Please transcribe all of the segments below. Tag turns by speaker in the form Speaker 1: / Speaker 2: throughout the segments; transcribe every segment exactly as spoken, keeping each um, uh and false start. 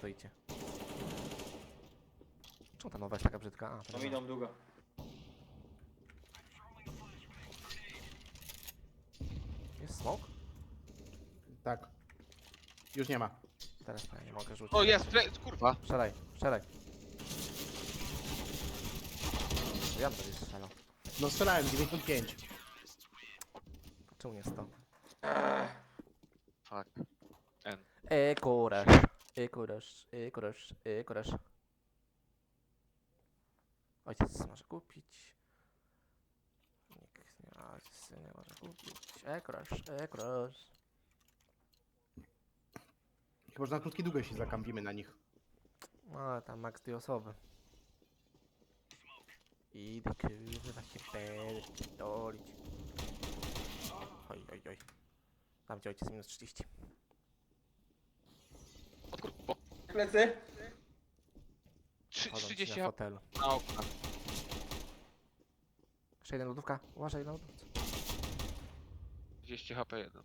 Speaker 1: stoicie? Czemu ta nowa jest taka brzydka? A, to
Speaker 2: No
Speaker 1: nie
Speaker 2: idą długo.
Speaker 1: Jest smoke?
Speaker 3: Tak. Już nie ma.
Speaker 1: Teraz to ja nie mogę rzucić.
Speaker 4: O jest, fle- kurwa.
Speaker 1: Strzelaj, strzelaj. Ja bym będzie strzelał.
Speaker 3: No strzelałem, dziewięćdziesiąt pięć.
Speaker 1: Czemu nie sto?
Speaker 4: Fuck. N.
Speaker 1: E kurasz, e kurasz, e kurasz, e kurasz. Ojciec może kupić. Nikt nie, ojciec nie może kupić. E kurasz, e kurasz.
Speaker 3: Chyba, że na krótkiej długości zakampimy na nich.
Speaker 1: No ale tam max dwie osoby. Idę kurwa się pierdolić. Oj, oj, oj. Tam gdzie ojciec minus trzydzieści.
Speaker 4: Od kurwa.
Speaker 2: Plecy.
Speaker 4: Trzy-
Speaker 1: Chodzą ci
Speaker 4: trzydzieści
Speaker 1: na
Speaker 4: na
Speaker 1: fotelu.
Speaker 4: okna.
Speaker 1: Jeszcze jeden lodówka. Uważaj na lodówce.
Speaker 4: trzydzieści H P jeden.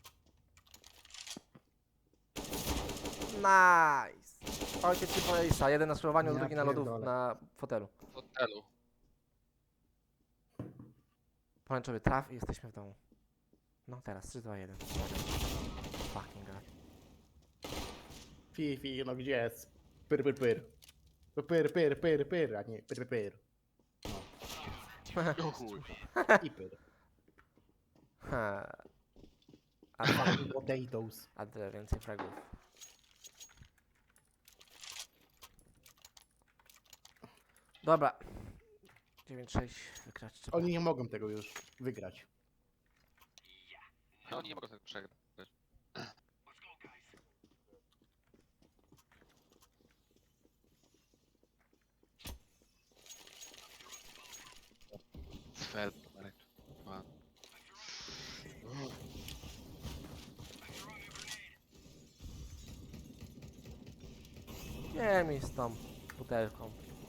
Speaker 1: Nice! Ojciec ci polejsa. Jeden na skrolowaniu,
Speaker 3: Ja
Speaker 1: drugi na lodów,
Speaker 3: pierdolę.
Speaker 1: na fotelu.
Speaker 4: W hotelu.
Speaker 1: Pomarańczowy traf i jesteśmy w domu. No teraz, trzy, dwa, jeden. Fucking god.
Speaker 3: Fi, fi, no gdzie jest? Pyr, pyr, pyr. To pyr, pyr, pyr, pyr, a nie pyr, pyr, pyr.
Speaker 4: O chuj.
Speaker 3: I pyr.
Speaker 1: Ha. A,
Speaker 3: Fucking potatoes.
Speaker 1: a tyle więcej fragów. Dobra. dziewięć sześć wygrać trzeba.
Speaker 3: Oni nie mogą tego już wygrać.
Speaker 4: No oni nie mogą tego przegrać. Cfel. Man.
Speaker 1: Nie mi z tą butelką.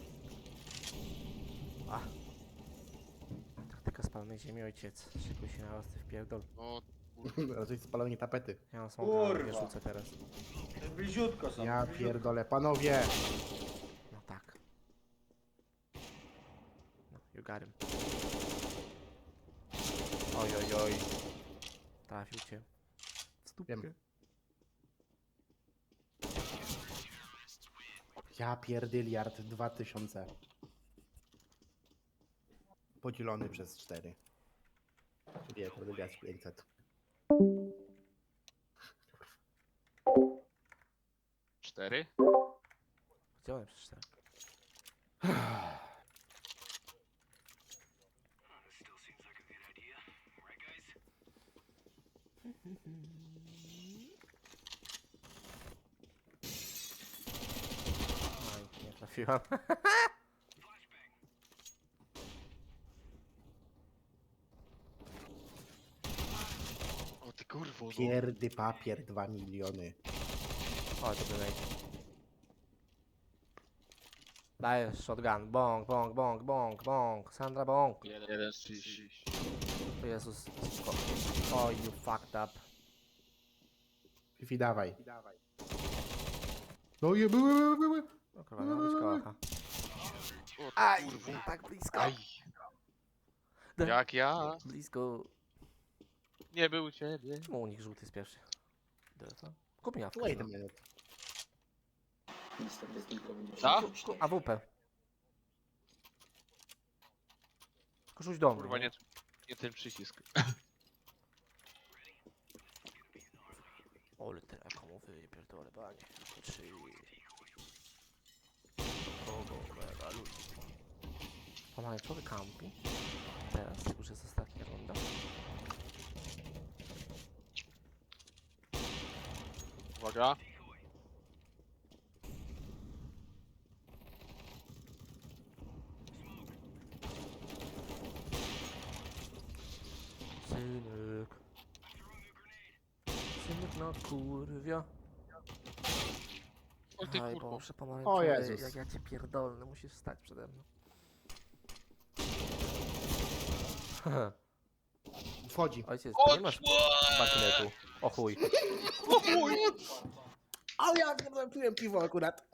Speaker 1: A. Taktyka spalonej ziemi, ojciec. Szykuj się na ostry wpierdol.
Speaker 4: No
Speaker 3: Raczej spalenie tapety.
Speaker 1: Ja mam smoka, ale nie
Speaker 2: Kurwa.
Speaker 1: rzucę teraz.
Speaker 2: Bliziutko są.
Speaker 3: Ja
Speaker 2: bliziutko.
Speaker 3: pierdolę, panowie!
Speaker 1: No tak. No, you got him. Oj, oj, oj. Trafił cię. W stupkę.
Speaker 3: Wiem. Ja pierdyliard dwa tysiące. Podzielony przez cztery. Czyli ja pierdyliard pięćset.
Speaker 4: cztery?
Speaker 1: Działałem przez cztery. Oj, nie trafiłam.
Speaker 4: O ty kurwo. No.
Speaker 3: Pierdy papier dwa miliony.
Speaker 1: Oj, to by Dajesz shotgun. Bong, bong, bong, bong, bong. Sandra bong.
Speaker 4: Jeden, jeden z trzydzieści.
Speaker 1: O Jezus. Oh, you fucked up.
Speaker 3: Fifi, dawaj. No je były, były, były.
Speaker 1: No kurwa, miała być kocha.
Speaker 4: O ty
Speaker 1: Aj,
Speaker 4: kurwo.
Speaker 1: tak blisko.
Speaker 4: Aj.
Speaker 1: Da-
Speaker 4: Jak ja?
Speaker 1: Blisko.
Speaker 4: Nie był ciebie.
Speaker 1: Czemu u nich żółty jest pierwszy? Delta? Kup mi awkę.
Speaker 3: Wait a
Speaker 1: no.
Speaker 3: minute.
Speaker 4: Co?
Speaker 1: Ku- A W P. Tylko rzuć do mnie.
Speaker 4: Kurwa nie, nie ten przycisk.
Speaker 1: Ole telekomowy, pierdolę, panie. Trzy. Kogo, mega ludzi. Pomarańczowy kampi. Teraz już jest ostatnia runda.
Speaker 4: Uwaga.
Speaker 1: Synek. Synek na kurwia.
Speaker 4: O ty
Speaker 1: Aj
Speaker 4: kurwo.
Speaker 1: Boże, pomarańczowy,
Speaker 3: O Jezus.
Speaker 1: jak ja cię pierdolę, musisz stać przede mną.
Speaker 3: Wchodzi.
Speaker 1: Ojciec,
Speaker 4: O
Speaker 1: ty nie masz bakinetu. O chuj.
Speaker 4: O chuj.
Speaker 3: Ale ja pierdolę, piłem piwo akurat.